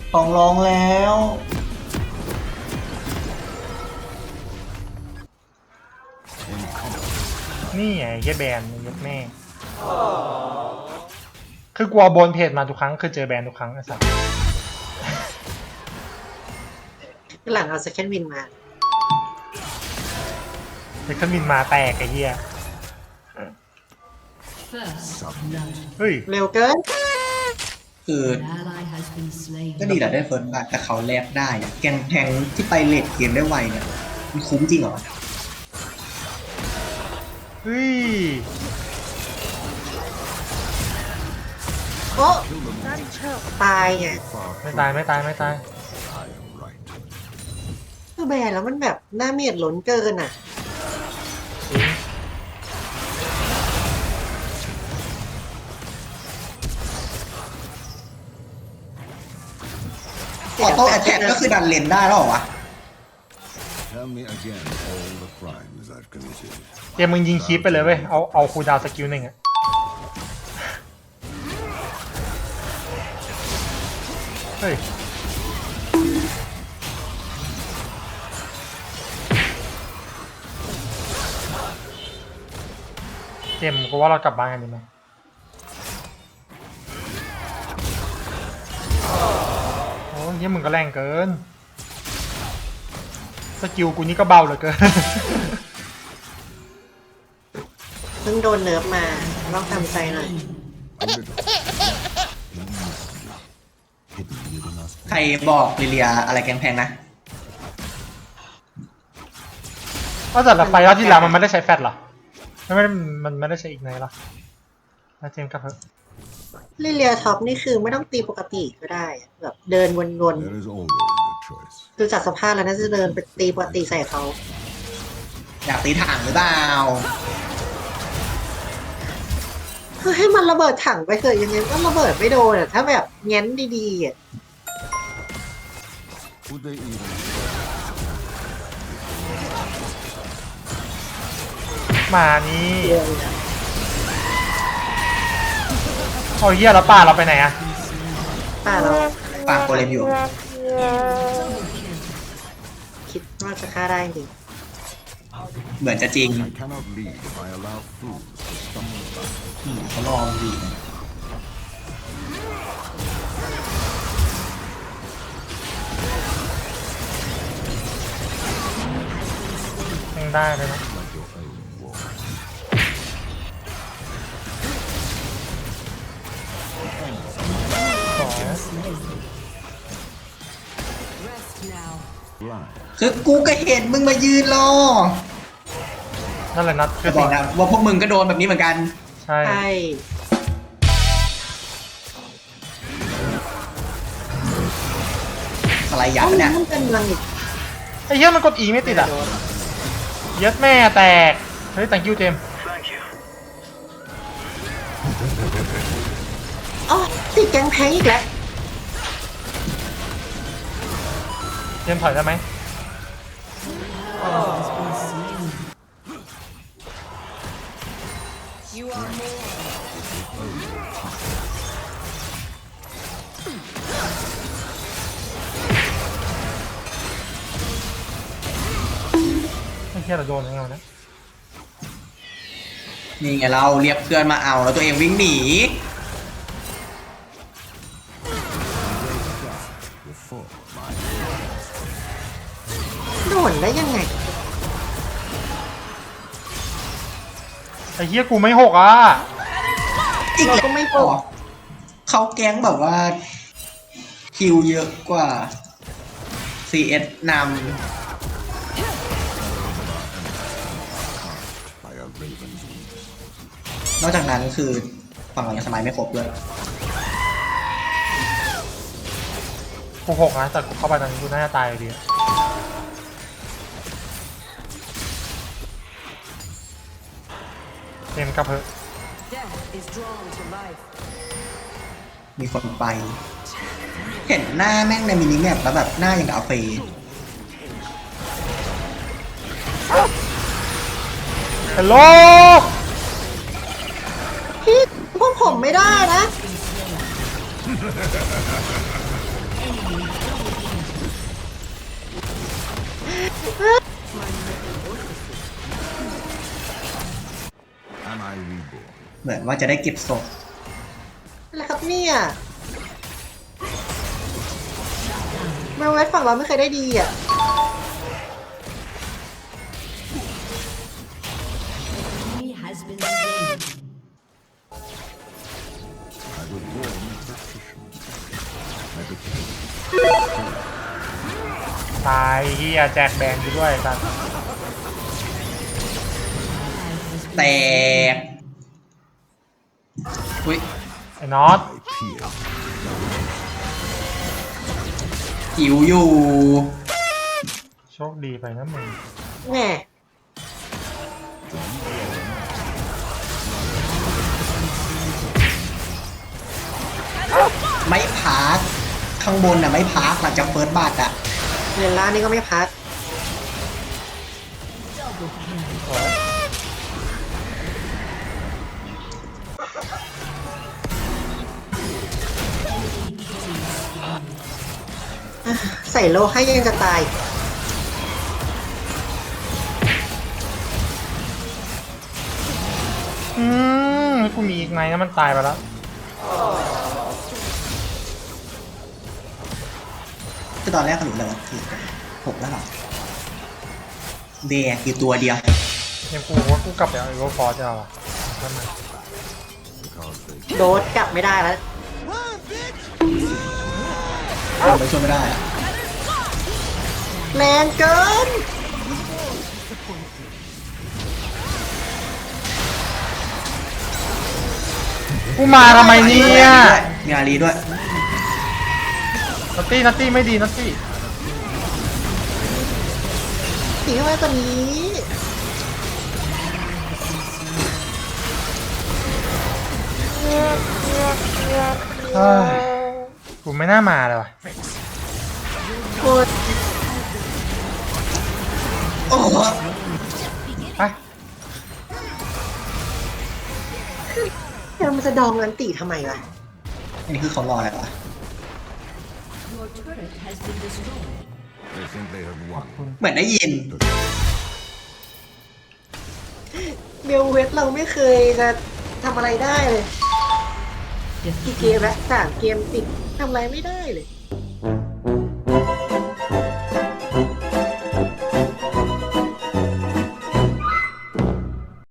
ต้องร้องแล้วนี่ไงเฮียแบนยัดแม่คือกลัวบนเพจมาทุกครั้งคือเจอแบนทุกครั้งไอ้สัสหลังเอาเซคันด์วินมาเด็กขึ้นบินมาแตกไอ้เฮียเฮ้ยเร็วเกินคือก็ดีแหละได้เฟิร์สบัตแต่เขาแลกได้อะแกงแพงที่ไปเลทเกมได้ไวเนี่ยมันคุ้มจริงเหรอเฮ้ยโอ้ตายไงไม่ตายไม่ตายไม่ตายคือแบนแล้วมันแบบหน้าเมียดล้นเกินอ่ะออโต้แอทแทกก็คือดันเลนได้แล้วเหรอวะ Tell me again all the crimes I've committed. เกมมึงยิงคีปไปเลยเว้ยเอาคูลดาวน์สกิลหนึ่งอะเฮ้ยเกมกูว่าเรากลับบ้านกันดีไหมโอ้ยเหี้ยมึงก็แรงเกินสกิลกูนี่ก็เบาเหลือเกินเพิ่งโดนเนิร์ฟมาต้องทำใจหน่อยใครบอกลิเลียอะไรแกงแพงนะก็แต่ละไฟรอบที่แล้วมันไม่ได้ใช้แฟตหรอมันไม่ได้ใช้อีกไหนหรอแล้วเจมส์กับเพิ่มลิเลียท็อปนี่คือไม่ต้องตีปกติก็ได้อะแบบเดินวน There is always a choice. ๆดูจากสภาพแล้วน่าจะเดินไปตีปกติใส่เขาอยากตีถังหรือเปล่าคือให้มันระเบิดถังไปเถอะยังไงก็ระเบิดไม่โดนอ่ะถ้าแบบแง้นดีๆอ่ะ Would they even มานี่เอาเหี้ยแล้วป่าเราไปไหนอะป้าเราปากโกเลมอยู่คิดว่าจะฆ่าได้จริงเหมือนจะจริง I cannot lead if I allow fools to stumble about. เขาลองดีนะยังได้เลยนะ Like your own war. สอง Blind. คือกูก็เห็นมึงมายืนรอนั่นแหละนัดคืจะอบอกสิ่งนะว่าพวกมึงก็โดนแบบนี้เหมือนกันใช่ใช่สไลด์ยัดปะเนี่ยมันเป็นรังอีกไอ้เหี้ยมันกดอีไม่ติดอ่ะเย็ดแม่แตกเฮ้ย thank you เจมส์อ๋อติดแกงแพงอีกแล้วเจมส์ถอยได้ไหมไอ้เหี้ยเราโดนยังไงวะเนี่ยนี่ไงเราเรียกเพื่อนมาเอาแล้วตัวเองวิ่งหนี Before my โดนได้ยังไงไอ้เหี้ยกูไม่หกอ่ะอีกเราแล้วก็ไม่พอ๋ออเขาแก๊งแบบว่าคิวเยอะกว่า CS น by a raven's wings. ำนอกจากนั้นคือฝั่งเรายังสมัยไม่ครบด้วยกูหกนะแต่กูเข้าไปตอนนี้กูน่าจะตายอยู่ดีอะเจมส์กับเพิ่ม Death is drawn to life. มีคนไป เห็นหน้าแม่งในมินิแมปแล้วแบบหน้าอย่างกับอาเฟย์ฮัลโหลพี่พวกผมไม่ได้นะ Am I reborn? เหมือนว่าจะได้เก็บศพอะไรครับเนี่ยมาไว้ฝั่งเราไม่เคยได้ดีอ่ะ Enemy has been slain. I was born practitioner. I became ตายเฮียแจกแบงกูด้วยกันแตกอุ้ยไอ้น็อต my peer. หิวอยู่โชคดีไปนะมึงแหมไม่พักข้างบนอ่ะไม่พักหลังจากเฟิร์สบัตอ่ะเงินล้านนี่ก็ไม่พัก ใส่โลให้ยังจะตายกูมีอีกไงนะมันตายไปแล้วคือตอนแรกขนุนเลยคือหกแล้วเหรอเดียคือตัวเดียวยังกูว่ากูกลับไปเอาไอโรฟอร์จะเอาอะทำไม Because they โดดกลับไม่ได้แล้วไปช่วยไม่ได้อะแรงเกินกูมาทำไมเนี่ยมีอารีด้วยนัตตี้ไม่ดีนัตตี้สีเข้ามาตัวนี้เฮ้ยกูไม่น่ามาเลยว่ะโคตรโอ้โหไปเดี๋ยวมันจะดองอันตีทำไมวะอันนี้คือเขารออะไรวะ Your turret has been destroyed. think they have won. เหมือนได้ยินเบลเวสเราไม่เคยจะทำอะไรได้เลยกี่เกมแล้ว3 เกมติดทำอะไรไม่ได้เลย